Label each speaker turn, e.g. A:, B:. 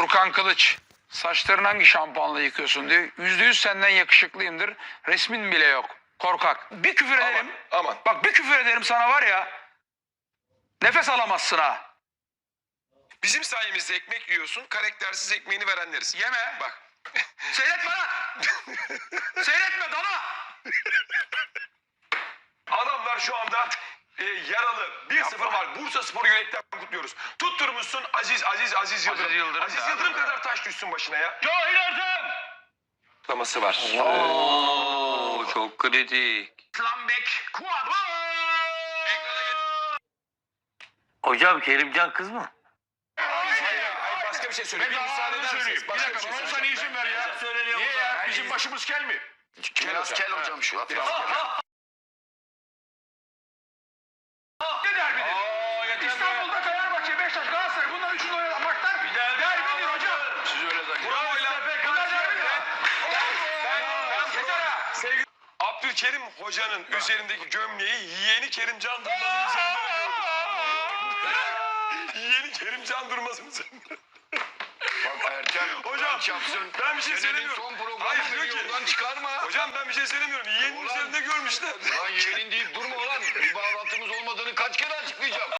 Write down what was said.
A: Furkan Kılıç, saçlarını hangi şampuanla yıkıyorsun diyor. %100 senden yakışıklıyımdır. Resmin bile yok. Korkak. Bir küfür ederim.
B: Aman.
A: Bak bir küfür ederim sana var ya. Nefes alamazsın ha.
B: Bizim sayemizde ekmek yiyorsun, karaktersiz ekmeğini verenleriz.
A: Yeme.
B: Bak.
A: Seyretme lan. Seyretme dana.
B: Adamlar şu anda yaralı. 1-0 var. Bursa Spor'u yürekten kutluyoruz. Tutturmuşsun Aziz Yıldırım. Aziz Yıldırım kadar taş düşsün başına ya.
A: Cahil Ertem.
B: Kutlaması var.
C: Oo, çok kritik.
A: Lambek. Kuat.
C: Hocam Kerimcan kız mı?
B: Hayır, başka bir şey söyle. Bir müsaade eder misiniz? Başka bir şey
A: Bana
B: söyleyeceğim.
A: izin ver ya. Niye ya? Bizim başımız kel mi?
B: Biraz kel hocam şu.
A: Ne derbidir? İstanbul'da Fenerbahçe, Beşiktaş, Galatasaray bunların üçünü oynayan maçlar derbidir hocam.
B: Siz öyle zannediyorsunuz.
A: Bunlar derbidir.
B: Sevgili Abdülkerim Hoca'nın üzerindeki gömleği yeğeni Kerimcan Durmaz'ın üzerinde gördüm. Yeğeni Kerimcan Durmaz'ın üzerinde.
D: Bak Ertem,
B: Hocam
D: çapsın.
B: ben bir şey
D: Senenin
B: söylemiyorum.
D: son programı
B: Hayır
D: beni
B: diyor ki.
D: yoldan çıkarma.
B: Hocam ben bir şey söylemiyorum. Yeğenin
D: Ulan.
B: üzerinde görmüşler.
D: Lan yeğenin deyip durma ulan. Bir bağlantımız olmadığını kaç kere açıklayacağım.